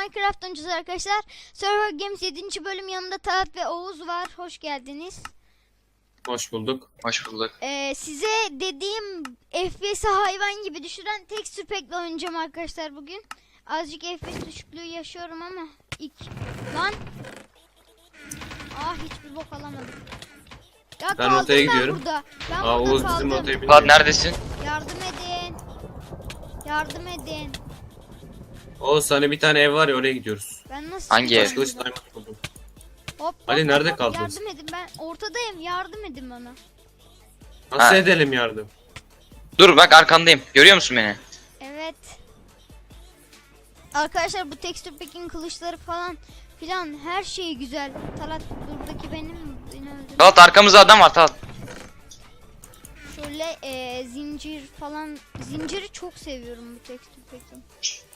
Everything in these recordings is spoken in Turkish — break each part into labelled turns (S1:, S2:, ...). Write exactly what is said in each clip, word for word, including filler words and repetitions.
S1: Minecraft oyuncusu arkadaşlar. Server Games yedinci bölüm, yanında Talat ve Oğuz var. Hoş geldiniz.
S2: Hoş bulduk.
S3: Hoş bulduk.
S1: Ee, size dediğim F P S'i hayvan gibi düşüren tekstür pack'le oynayacağım arkadaşlar bugün. Azıcık F P S düşüklüğü yaşıyorum ama ilk lan. Ah, hiçbir bok alamadım. Ya
S2: Ben
S1: kaldım
S2: rotaya
S1: ben
S2: gidiyorum.
S1: burada. Ben
S2: Aa,
S1: burada
S2: Oğuz
S1: kaldım.
S2: bizim rotayı
S3: Fuat
S2: biliyor.
S3: neredesin?
S1: Yardım edin. Yardım edin.
S2: Oğuz sana bir tane ev var ya, oraya gidiyoruz.
S1: Ben nasıl
S3: Hangi
S1: çıkacağım
S3: ev?
S2: Kılıç
S1: buradan?
S2: diamond buldum.
S1: Hop,
S2: Ali,
S1: hop,
S2: nerede
S1: hop,
S2: kaldınız?
S1: Yardım edin, ben ortadayım, yardım edin bana.
S2: Nasıl
S3: Ha.
S2: edelim yardım?
S3: Dur bak arkandayım. Görüyor musun beni?
S1: Evet. Arkadaşlar bu texture pack'in kılıçları falan filan her şeyi güzel. Talat buradaki benim, beni öldürdü.
S3: Talat arkamızda adam var Talat.
S1: Şöyle e, zincir falan, zinciri çok seviyorum bu texture pack'in.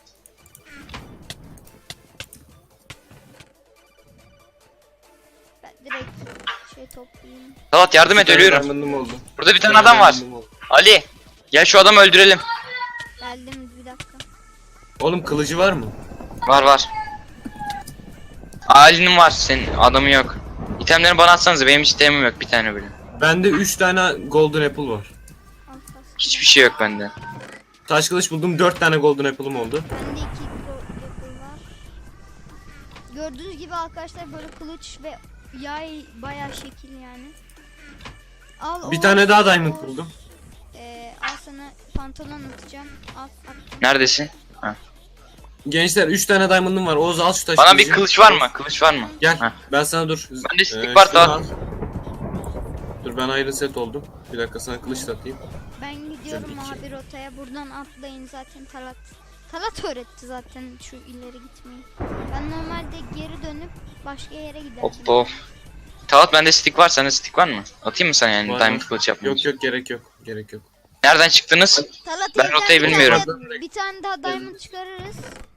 S1: Ben direkt şey toplayayım.
S3: Talat yardım et,
S2: Bir tane
S3: ölüyorum.
S2: diamond'ım oldu.
S3: Burada bir
S2: Bir
S3: tane adam var.
S2: diamond'ım oldu.
S3: Ali gel şu adamı öldürelim.
S1: Geldim, bir dakika.
S2: Oğlum kılıcı var mı?
S3: Var var. Ali'nin var, senin adamı yok. İtemlerini bana atsanıza, benim hiç itemim yok, bir tane bile.
S2: Bende üç tane golden apple var.
S1: Al kas.
S3: Hiçbir şey yok bende.
S2: Taş kılıç buldum, dört tane golden apple'ım oldu.
S1: Bende iki pro yapı var. Gördüğünüz gibi arkadaşlar böyle kılıç ve yay bayağı şekil yani. Al,
S2: Bir
S1: Oğuz,
S2: tane daha diamond
S1: Oğuz.
S2: buldum.
S1: Ee, al sana pantolon atacağım. Al, attım.
S3: Neredesin?
S2: Gençler, üç tane diamond'ım var. Oğuz al şu taş
S3: Bana
S2: kılıcı.
S3: bir kılıç var mı? Kılıç var mı?
S2: Gel.
S3: Heh.
S2: Ben sana dur.
S3: Bende stick
S2: Ee,
S3: var
S2: şunu
S3: daha.
S2: al. Dur, ben iron set oldum. Bir dakika sana kılıç da atayım.
S1: Ben gidiyorum
S2: Tabii ki.
S1: abi rotaya. Buradan atlayın, zaten Talat. Talat öğretti zaten şu ileri gitmeyi. Ben normalde geri dönüp başka yere giderdim.
S3: Hop hop. Talat bende stick var, sende stick var mı? Atayım mı sana yani
S2: Var,
S3: diamond
S2: var.
S3: kılıç yapmak
S2: Yok
S3: için?
S2: yok, gerek yok. Gerek yok.
S3: Nereden çıktınız?
S1: Talat,
S3: Ben
S1: evden
S3: rotayı
S1: bir
S3: bilmiyorum.
S1: tane- Bir tane daha diamond çıkarırız.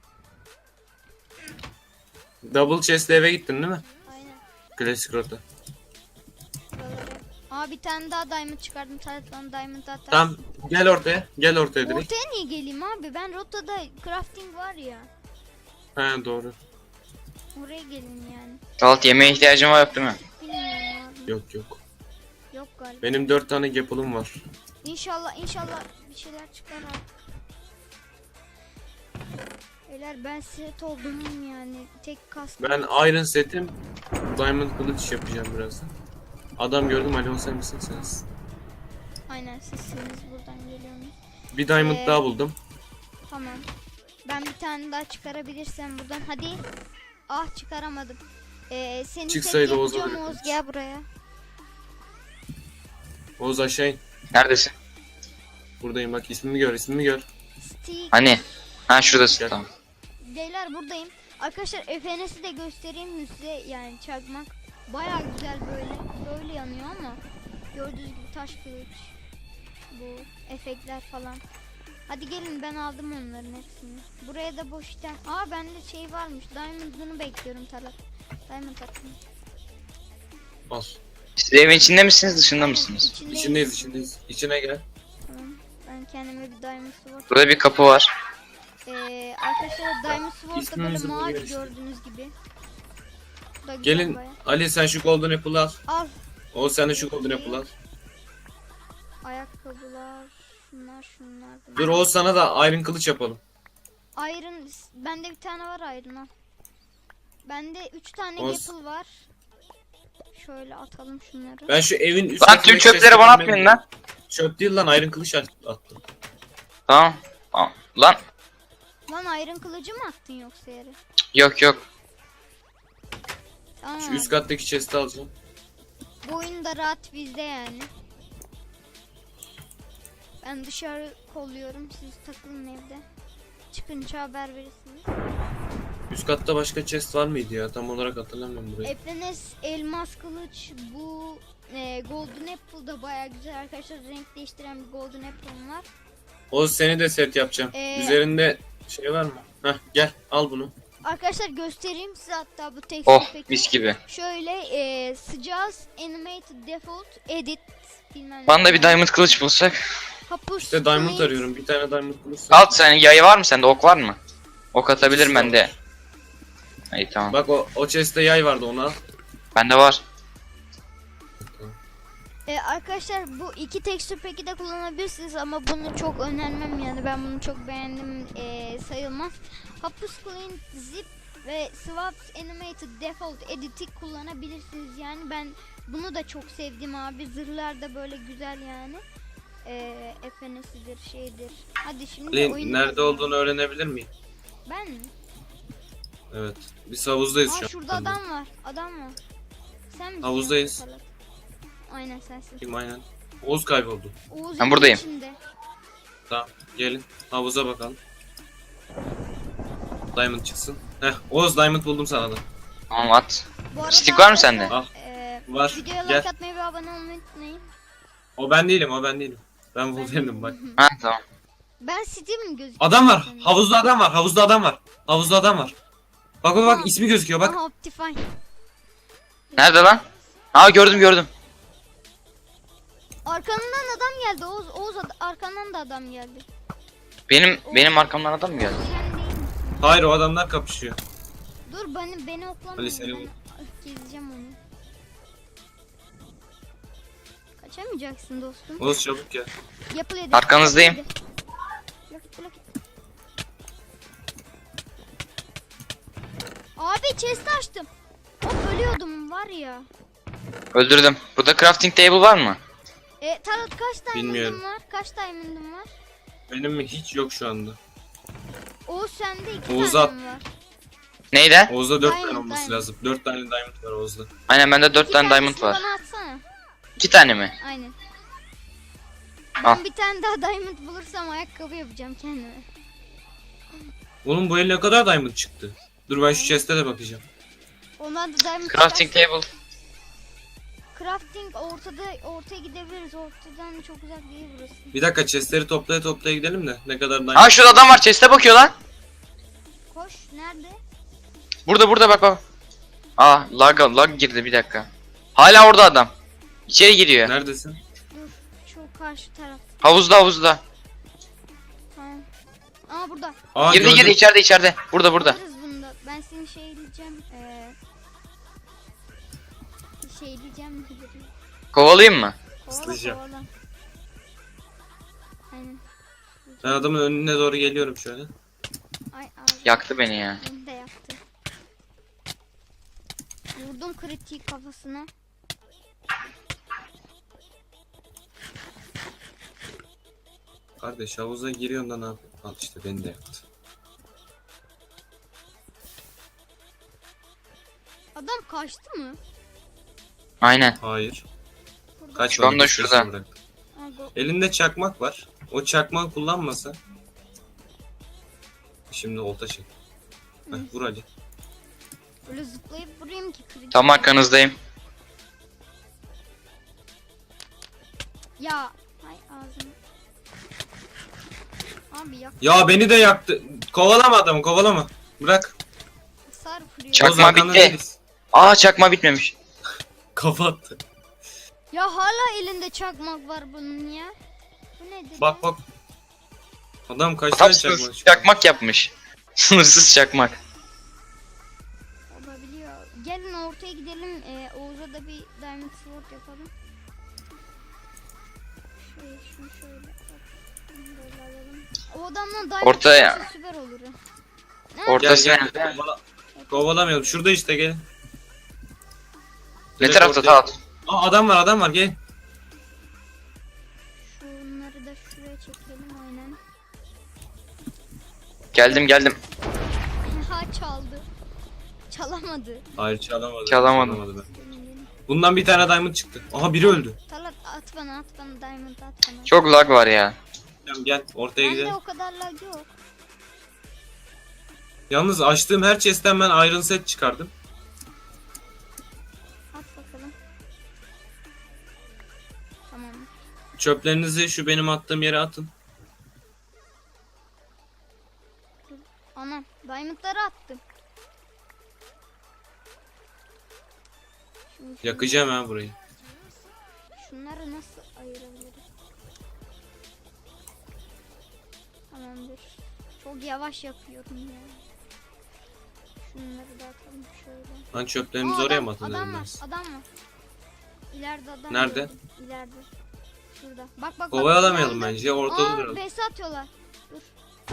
S2: Double chest'le eve gittin değil mi?
S1: Aynen.
S2: Klasik rota.
S1: Buraları. Aa, bir tane daha diamond çıkardım. Talat bana diamond atar.
S2: Tamam, gel ortaya. Gel ortaya direkt.
S1: Ortaya niye geleyim abi? Ben rotada crafting var ya.
S2: He, doğru.
S1: Oraya gelin yani.
S3: Talat yemeğe ihtiyacın var yok değil mi?
S1: Bilmiyorum abi.
S2: Yok yok.
S1: Yok galiba.
S2: Benim dört tane gapılım var.
S1: İnşallah inşallah bir şeyler çıkar abi. Beyler, ben set oldum yani. Tek kask.
S2: Ben iron setim. Diamond kılıç yapacağım birazdan. Adam gördüm, Ali o sen misin sensin?
S1: Aynen, sizsiniz, buradan geliyorsunuz.
S2: Bir diamond
S1: Ee,
S2: daha buldum.
S1: Tamam. Ben bir tane daha çıkarabilirsem buradan. Hadi. Ah, çıkaramadım. Ee, seni
S2: Çıksaydı
S1: tek
S2: Oğuz'a
S1: yapacağım,
S2: verirdim.
S1: Oğuz, gel buraya.
S2: Oğuz aşağı in.
S3: Neredesin?
S2: Buradayım, bak ismimi gör, ismimi gör.
S1: Stick.
S3: Hani? Ha şuradasın,
S2: Gel.
S3: tamam.
S1: Beyler, buradayım. Arkadaşlar F N S'i de göstereyim mi size, yani çakmak. Baya güzel, böyle böyle yanıyor ama gördüğünüz gibi taş kılıç, bu efektler falan. Hadi gelin, ben aldım onların hepsini. Buraya da boş item. Aa, bende şey varmış, diamond'ını bekliyorum Talat. Diamond atayım.
S2: Al.
S3: Siz evin içinde misiniz, dışında mısınız?
S1: İçindeyiz.
S2: İçindeyiz, içindeyiz. İçine gel.
S1: Tamam. Ben kendime bir diamond sword.
S3: Burada bir kapı var.
S1: Ee, arkadaşlar diamond sword da böyle
S2: İsmimizi
S1: mavi,
S2: buluyor işte.
S1: gördüğünüz gibi. Bu da güzel
S2: Gelin
S1: baya.
S2: Ali, sen şu golden apple'ı al.
S1: Al.
S2: Oğuz sen de şu golden apple'ı al.
S1: Ayakkabılar, şunlar şunlar. bunlar.
S2: Dur Oğuz, sana da iron kılıç yapalım.
S1: Iron, bende bir tane var Iron, al. Bende üç tane
S2: Oz.
S1: apple var. Şöyle atalım şunları.
S2: Ben şu evin üst
S3: Lan
S2: katındaki
S3: tüm çöpleri
S2: chest'e
S3: bana
S2: girmem-
S3: atmayın lan.
S2: Çöp değil lan, iron kılıç at- attım.
S3: Tamam. Tamam. Lan
S1: Lan, Iron kılıcı mı attın yoksa yere?
S3: yok yok.
S1: Tamam.
S2: Şu üst kattaki chest'i alacağım.
S1: Bu oyun da rahat bizde yani. Ben dışarı kolluyorum, siz takılın evde. Çıkınca haber verirsiniz.
S2: Üst katta başka chest var mıydı ya? Tam olarak hatırlamıyorum burayı.
S1: F N S elmas kılıç, bu e, golden apple da baya güzel arkadaşlar. Renk değiştiren bir golden apple'ım var.
S2: Oğuz, seni de set yapacağım.
S1: Ee,
S2: Üzerinde şey var mı? Heh, gel al bunu.
S1: Arkadaşlar göstereyim size hatta bu texture
S3: Oh
S1: pack'i.
S3: mis gibi.
S1: Şöyle e, sıcağız, animated default, edit bilmem ne.
S3: Bana da bir diamond kılıç bulsak.
S1: Hapus,
S2: İşte diamond
S1: create.
S2: arıyorum. Bir tane diamond bulursan.
S3: Alt sen yayı var mı sende, ok var mı? Ok atabilirim ben de. İyi tamam.
S2: Bak o, o chest'te yay vardı, onu al.
S3: Bende var.
S1: Ee, arkadaşlar bu iki texture pack'i de kullanabilirsiniz ama bunu çok önermem, yani ben bunu çok beğendim ee, sayılmaz. Hapus Clean Zip ve Swaps Animated Default Edit'i kullanabilirsiniz, yani ben bunu da çok sevdim abi. Zırhlar da böyle güzel yani. Ee, F N S'dir şeydir. Hadi şimdi
S2: Ali,
S1: oyunu
S2: nerede
S1: başlayalım.
S2: olduğunu öğrenebilir miyim?
S1: Ben mi?
S2: Evet. Biz havuzdayız
S1: Aa,
S2: şu an.
S1: şurada adam var. Adam var. Sen misin?
S2: Havuzdayız.
S1: Talat? Aynen sensin.
S2: Kim, aynen. Oğuz kayboldu.
S1: Oğuz
S3: Ben
S1: evin
S3: buradayım.
S1: içinde.
S2: Tamam, gelin havuza bakalım. Diamond çıksın. Heh, Oğuz diamond buldum sana da.
S3: Tamam at.
S1: Bu arada
S3: Stick var mı sende?
S1: arkadaşlar,
S2: Al.
S1: eee,
S2: Var.
S1: videoya
S2: Gel.
S1: like atmayı ve abone olmayı unutmayın.
S2: O ben değilim, o ben değilim. Ben Wolverine'im bak.
S3: Ha tamam.
S1: Ben Steam gözüküyor.
S2: Adam var.
S1: senin?
S2: Havuzda adam var. Havuzda adam var. Havuzda adam var. Bak bak
S1: Aha.
S2: bak, ismi gözüküyor bak.
S1: Aha, Optifine.
S3: Nerede lan? Aa gördüm gördüm.
S1: Arkandan adam geldi. Oğuz, Oğuz ad- arkandan da adam geldi.
S3: Benim benim arkamdan adam mı geldi?
S1: Sen değil misin?
S2: Hayır, o adamlar kapışıyor.
S1: Dur beni beni oklamayın.
S2: Ali, seni
S1: Ben
S2: vur.
S1: gezeceğim onu. Kaçamayacaksın dostum.
S2: Oğuz çabuk gel.
S1: Yapıl hadi.
S3: Arkanızdayım.
S1: Yapıl hadi. Blok, blok. Abi chest açtım. Hop ölüyordum var ya.
S3: Öldürdüm. Burada crafting table var mı?
S1: E Tarot kaç diamond'ın
S2: Bilmiyorum.
S1: var? Kaç diamond'ın var?
S2: Benim mi hiç yok şu anda.
S1: Oğuz sende iki
S2: Oğuz
S1: tane
S2: at.
S1: mi var?
S3: Neyde?
S2: Oğuz'da dört
S1: Diamond,
S2: tane olması
S1: diamond.
S2: lazım. dört tane diamond var Oğuz'da.
S3: Aynen bende dört
S1: İki
S3: tane diamond
S1: tanesini
S3: var.
S1: bana atsana.
S3: İki tane mi?
S1: Aynen.
S3: Al.
S1: Ben bir tane daha diamond bulursam ayakkabı yapacağım kendime.
S2: Oğlum bu el ne kadar diamond çıktı? Dur ben şu chest'e de bakacağım.
S1: Ondan da diamond
S3: Crafting
S1: çıkarsa-
S3: table.
S1: Crafting ortada, ortaya gidebiliriz. Ortadan çok uzak değil burası.
S2: Bir dakika, chest'leri toplaya toplaya gidelim de ne kadar diamond.
S3: Aa şurada adam var chest'e bakıyor lan.
S1: Koş nerede?
S3: Burada burada bak bak. Aa lag lag girdi bir dakika. Hala orada adam. İçeri giriyor.
S2: Neredesin?
S1: Dur şu karşı taraf.
S3: Havuzda havuzda.
S1: Tamam. Aa burada.
S2: Aa,
S3: Girdi
S2: gördüm.
S3: girdi içeride içeride. Burada burada.
S1: Alırız bunu da. Ben seni şeyleyeceğim. Ee, şeyleyeceğim.
S3: Kovalayayım mı?
S1: Kovala
S2: Islayacağım.
S1: kovala. Aynen.
S2: Ben adamın önüne doğru geliyorum şöyle.
S1: Ay abi.
S3: Yaktı beni ya.
S1: Beni de yaktı. Vurdum kritik kafasına.
S2: Kardeş havuza giriyorsun da ne yapıyorsun? Al işte, beni de yaktı.
S1: Adam kaçtı mı?
S3: Aynen.
S2: Hayır.
S1: Burada.
S2: Kaç
S3: Şu anda şurada.
S1: Aa, go-
S2: Elinde çakmak var. O çakmağı kullanmasa. Şimdi olta çek. Heh, vur Ali.
S1: Böyle zıplayıp vurayım ki kritik.
S3: Tam arkanızdayım.
S1: Ya. Hay ağzını. Abi yak.
S2: Ya beni de yaktı. Kovalama adamı, kovalama. Bırak.
S1: Hasar vuruyor.
S3: Çak-
S2: Oğuz
S3: Çakma
S2: arkanda
S3: bitti.
S2: değiliz.
S3: Aa çakma bitmemiş.
S2: Kafa attı.
S1: Ya hala elinde çakmak var bunun ya. Bu nedir?
S2: Bak
S1: ya?
S2: bak. Adam kaç
S3: Tam
S2: tane
S3: sınırsız
S2: çakmak çıktı?
S3: çakmak yapmış. Sınırsız çakmak.
S1: Olabiliyor. Gelin ortaya gidelim. Ee, Oğuz'a da bir diamond sword yapalım. Şöyle şunu şöyle. Bak, şunu böyle alalım. O adamdan diamond
S3: Ortaya.
S1: çıkarsa süper olur. ha. Ne?
S3: Orta-
S2: Gel
S3: Ortası
S2: gel.
S3: nerede?
S2: Kovala- Kovalamayalım. Şurada işte, gel.
S3: Ne
S2: Direkt
S3: tarafta
S2: ortaya-
S3: Talat?
S2: Aa, adam var, adam var, gel.
S1: Şunları da şuraya çekelim aynen.
S3: Geldim geldim.
S1: Ha çaldı. Çalamadı.
S2: Hayır, çalamadı.
S3: Çalamadım.
S2: ben.
S1: Gelin, gelin.
S2: Bundan bir tane diamond çıktı. Aha, biri öldü.
S1: Talat at bana at bana diamond at bana.
S3: Çok lag var ya.
S2: Tamam, gel ortaya
S1: Bende
S2: gidelim.
S1: o kadar lag yok.
S2: Yalnız açtığım her chest'ten ben iron set çıkardım.
S1: At bakalım. Tamam.
S2: Çöplerinizi şu benim attığım yere atın.
S1: Anam diamondları attım. Şimdi şunu-
S2: Yakacağım ha burayı.
S1: Şunları nasıl ayırabiliriz? Tamamdır. Çok yavaş yapıyorum ya. Şunları da atalım şöyle.
S2: Lan çöplerimizi
S1: Aa,
S2: oraya
S1: adam-
S2: mı atalım?
S1: Adam var,
S2: biraz?
S1: adam var. İleride adam.
S2: Nerede?
S1: gördüm, İleride. Şurada. Bak bak bak.
S2: Kovalamayalım
S1: geldi.
S2: bence. Ortada
S1: Aa,
S2: duralım.
S1: base atıyorlar. Dur.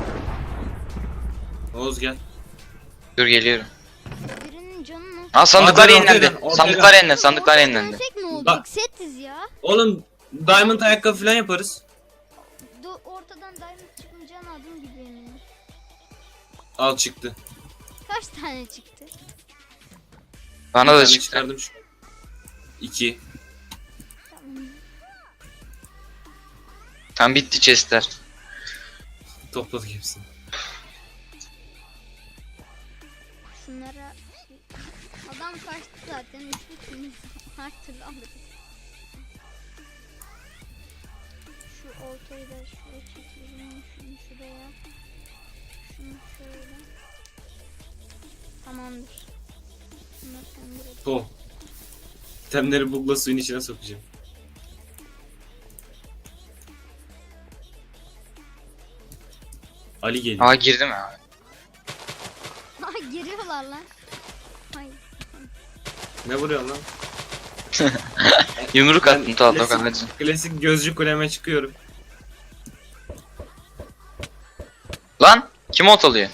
S2: Oğuz gel.
S3: Dur geliyorum.
S1: Birinin canı nasıl?
S3: Aa sandıklar
S2: Aa, dur,
S3: yenilendi.
S2: ortaya- ortaya-
S3: Sandıklar yenilendi. Sandıklar
S1: Orada
S3: yenilendi.
S1: dönsek ne olacak?
S2: Bak.
S1: Setiz ya.
S2: Oğlum diamond ayakkabı falan yaparız.
S1: Do ortadan diamond çıkmayacağını adım gibi eminim.
S2: Al çıktı.
S1: Kaç tane çıktı?
S3: Bana da
S2: Ben
S3: çıktı.
S2: çıkardım şu. İki.
S1: Tamam.
S3: Tam bitti chestler.
S2: Topladık hepsini.
S1: Şunlara şey... Adam kaçtı zaten. Üçlü temiz. Her türlü alırız. Şu ortayı da şuraya çekelim. Şunu şuraya. Şunu şöyle. Tamamdır. Bunları söndürelim.
S2: To. Temleri bugla suyun içine sokacağım. Ali geliyor.
S3: Aa girdim ya.
S1: Ha giriyorlar lan. Hayır.
S2: Ne vuruyorsun lan?
S3: Yumruk
S2: Ben
S3: attım Talha
S2: klasik-
S3: Okan hadi.
S2: Klasik gözcü kuleme çıkıyorum.
S3: Lan kim ot alıyor?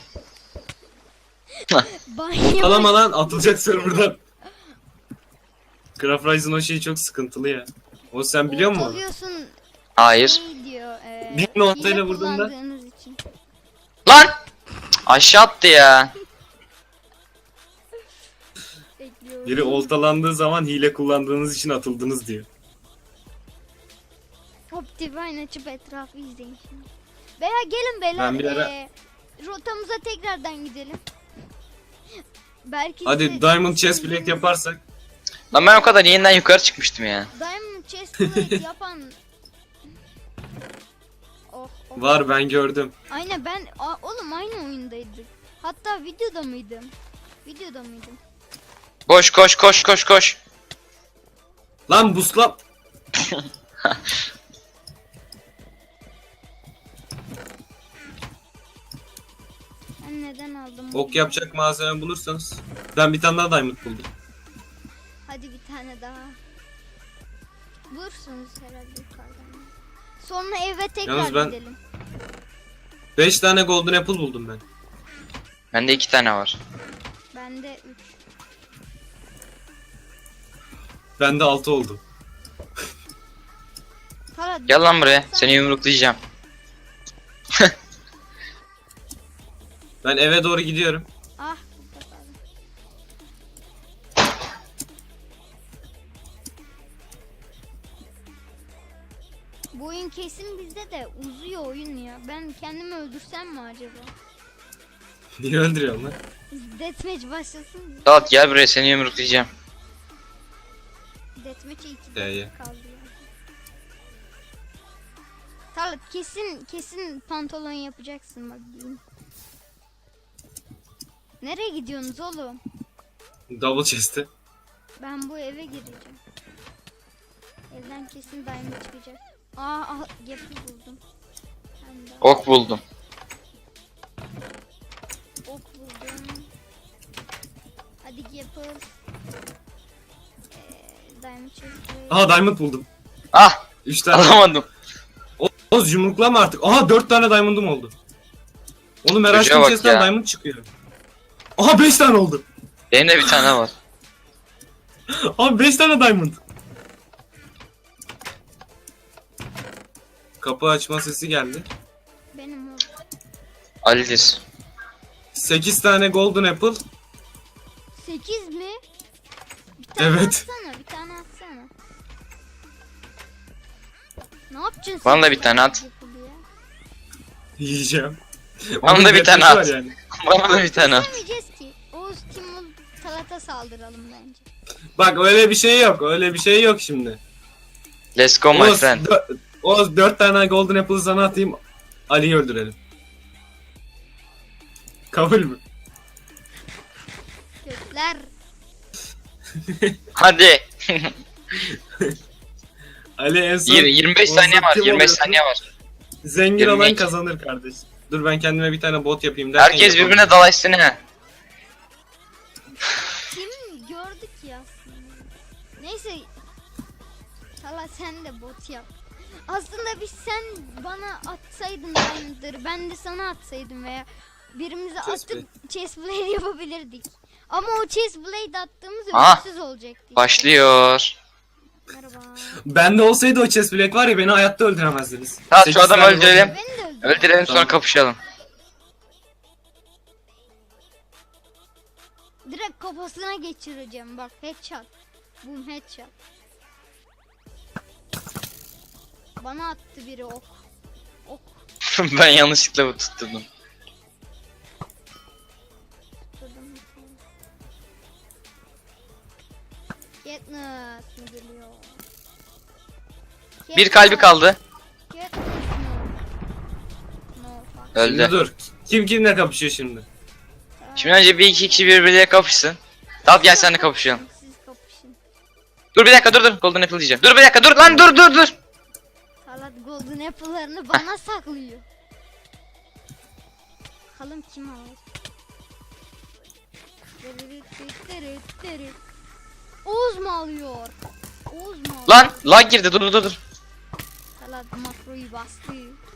S1: Banyo.
S2: Alama lan atılacak serverdan. Craft Rise'ın o şeyi çok sıkıntılı ya. O sen biliyor musun onu?
S1: Ortalıyorsun.
S3: Hayır.
S1: Şey diyor. E,
S2: Bir noktayla
S1: hile
S2: vurduğunda-
S1: kullandığınız için.
S3: Lan! Aşağı attı ya.
S1: Bekliyorum.
S2: Biri oltalandığı zaman hile kullandığınız için atıldınız diyor.
S1: Optifine açıp etrafı izleyin şimdi. Veya gelin beyler.
S2: Ben bir ara-
S1: e, rotamıza tekrardan gidelim. Belki
S2: Hadi
S1: size-
S2: Diamond Chest Plate yaparsak.
S3: Lan ben o kadar yeniden yukarı çıkmıştım ya.
S1: Diamond Chest Plate yapan. Oh, oh.
S2: Var ben gördüm.
S1: Aynen ben a, oğlum aynı oyundaydık. Hatta videoda mıydım? Videoda mıydım?
S3: Koş koş koş koş koş.
S2: Lan busla.
S1: Ben neden aldım?
S2: Ok yapacak malzeme bulursanız. Ben bir tane daha Diamond buldum.
S1: Hadi bir tane daha. Bulursunuz herhalde yukarıdan. Sonra eve tekrar
S2: Yalnız ben-
S1: gidelim.
S2: beş tane Golden Apple buldum ben.
S3: Bende iki tane var.
S1: Bende üç.
S2: Bende altı oldu.
S1: Para
S3: Gel lan buraya. Seni yumruklayacağım.
S2: Ben eve doğru gidiyorum.
S1: Ah. burada kaldı. Bu oyun kesin bizde de uzuyor oyun ya. Ben kendimi öldürsem mi acaba?
S2: Niye öldürüyorsun lan?
S1: Deathmatch başlasın mı?
S3: Talat gel buraya seni yumruklayacağım.
S1: Deathmatch'e iki
S2: Ya, ya.
S1: dakika kaldı ya. Talat kesin kesin pantolon yapacaksın bak diyeyim. Nereye gidiyorsunuz oğlum?
S2: Double chest'e.
S1: Ben bu eve gireceğim. Evden kesin diamond çıkacak. Aa, ah, yapı buldum. Ben de
S3: Ok buldum.
S1: ok buldum. Hadi yapı. Ee, diamond çıktı.
S2: Aha Diamond buldum.
S3: Ah
S2: üç tane.
S3: alamadım.
S2: Oğuz yumruklama artık. Aha dört tane Diamond'um oldu. Oğlum her
S3: Çocuğa
S2: açtığım
S3: bak
S2: chest'ten
S3: ya.
S2: Diamond çıkıyor. Aha beş tane oldu.
S3: Benim de bir tane var.
S2: Abi beş tane Diamond. Kapı açma sesi geldi.
S1: Benim o.
S3: Ali'dir.
S2: sekiz tane Golden Apple.
S1: sekiz mi? Bir tane
S2: Evet.
S1: atsana, bir tane atsana. Ne yapacaksın?
S3: Bana da
S1: sen
S3: bir tane at.
S1: yapılı ya?
S2: Yiyeceğim.
S3: Bana
S2: Onun
S3: da bir tane
S2: gerçeği
S3: at.
S2: var yani.
S3: Bana da bir tane at.
S1: Yemeyeceğiz ki. Oğuz Timur Talat'a saldıralım bence.
S2: Bak öyle bir şey yok. Öyle bir şey yok şimdi.
S3: Let's go my
S2: Oğuz,
S3: friend.
S2: dö- Oğuz dört tane Golden Apple'ı sana atayım. Ali'yi öldürelim. Kabul mü?
S1: Gökler.
S3: Hadi.
S2: Ali en son
S3: Yirmi- yirmi beş
S2: Oğuz'la
S3: saniye var.
S2: kim
S3: yirmi beş
S2: oluyorsun?
S3: saniye var.
S2: zengin
S3: yirmi
S2: olan
S3: iki.
S2: kazanır kardeş. Dur ben kendime bir tane bot yapayım derken
S3: Herkes
S2: yapamam.
S3: birbirine dalaşsın ha.
S1: Neyse. Hala sen de bot yap. Aslında biz sen bana atsaydın diamondları, ben de sana atsaydım veya birimize
S2: Chest
S1: atıp chest blade yapabilirdik. Ama o chest blade attığımız
S3: Aha,
S1: ölümsüz olacaktı.
S3: Başlıyor.
S1: Merhaba.
S2: Bende olsaydı o chest plate var ya beni hayatta öldüremezdiniz.
S3: Tamam, şu
S2: Sekiz
S3: adamı
S2: tane
S3: öldürelim.
S2: oldu.
S1: Beni de öldür.
S3: Öldürelim sonra
S2: Tamam.
S3: kapışalım.
S1: Direkt kafasına geçireceğim bak, headshot. Boom, headshot. Bana attı biri ok. Ok.
S3: Ben yanlışlıkla bu tutturdum.
S1: Tutturdum. Katniss mi geliyor?
S3: Bir kalbi kaldı.
S1: Katniss no. No fuck.
S2: Şimdi
S3: Öldü.
S2: dur. Kim kimle kapışıyor şimdi?
S3: Şimdi önce bir iki kişi birbirleriyle kapışsın. Tamam, gel sen de kapışalım.
S1: Siz kapışın.
S3: Dur bir dakika, dur dur. Golden Apple diyeceğim. Dur bir dakika, dur lan, dur dur dur.
S1: Salat golden apple'larını bana saklıyor. Bakalım kim alır. Oğuz mu alıyor? Oğuz mu alıyor?
S3: Lan lag girdi, dur dur dur.
S1: Salat makroyu bastı.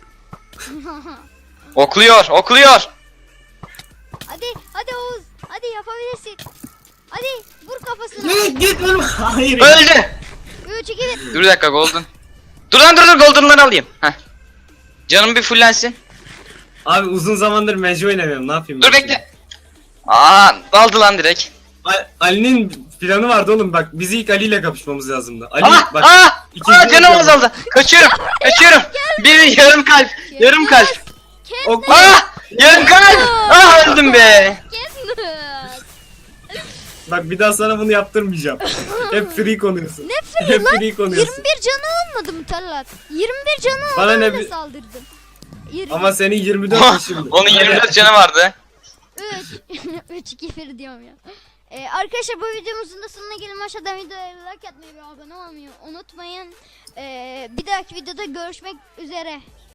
S3: Okluyor, okluyor.
S1: Hadi hadi Oğuz. Hadi yapabilirsin. Hadi vur kafasına.
S2: Ne git oğlum. Hayır.
S3: Öldü.
S1: üç iki bir.
S3: Dur bir dakika, Golden. Dur lan, dur dur, Golden'ları alayım. Heh. Canım bir fullensin.
S2: Abi uzun zamandır Mage oynamıyorum, ne yapayım?
S3: Dur
S2: ben
S3: bekle. Aa, daldı lan direkt.
S2: şimdi? A- Ali'nin planı vardı oğlum, bak biz ilk Ali ile kapışmamız lazımdı. Ali
S3: Ah
S2: bak.
S3: ah.
S2: ikinci
S3: Aa, canım
S2: olacağım.
S3: azaldı. Kaçıyorum. Kaçıyorum. Bir yarım kalp. Yarım kalp.
S2: Ok-
S3: Ah! Yarım kalp. Ah, öldüm be.
S1: Katniss.
S2: Bak bir daha sana bunu yaptırmayacağım. Hep free konuyorsun.
S1: Ne
S2: Hep
S1: free lan?
S2: free konuyorsun.
S1: yirmi bir canı olmadı mı Talat? yirmi bir canı oldu,
S2: Bana ne
S1: öyle
S2: bi-
S1: saldırdım. yirmi.
S2: Ama senin yirmi dört şimdi.
S3: Onun yirmi dört canı vardı.
S1: üç. üç iki bir diyorum ya. Ee, arkadaşlar bu videomuzun da sonuna gelin. Aşağıdan videoya like atmayı ve abone olmayı unutmayın. Ee, bir dahaki videoda görüşmek üzere.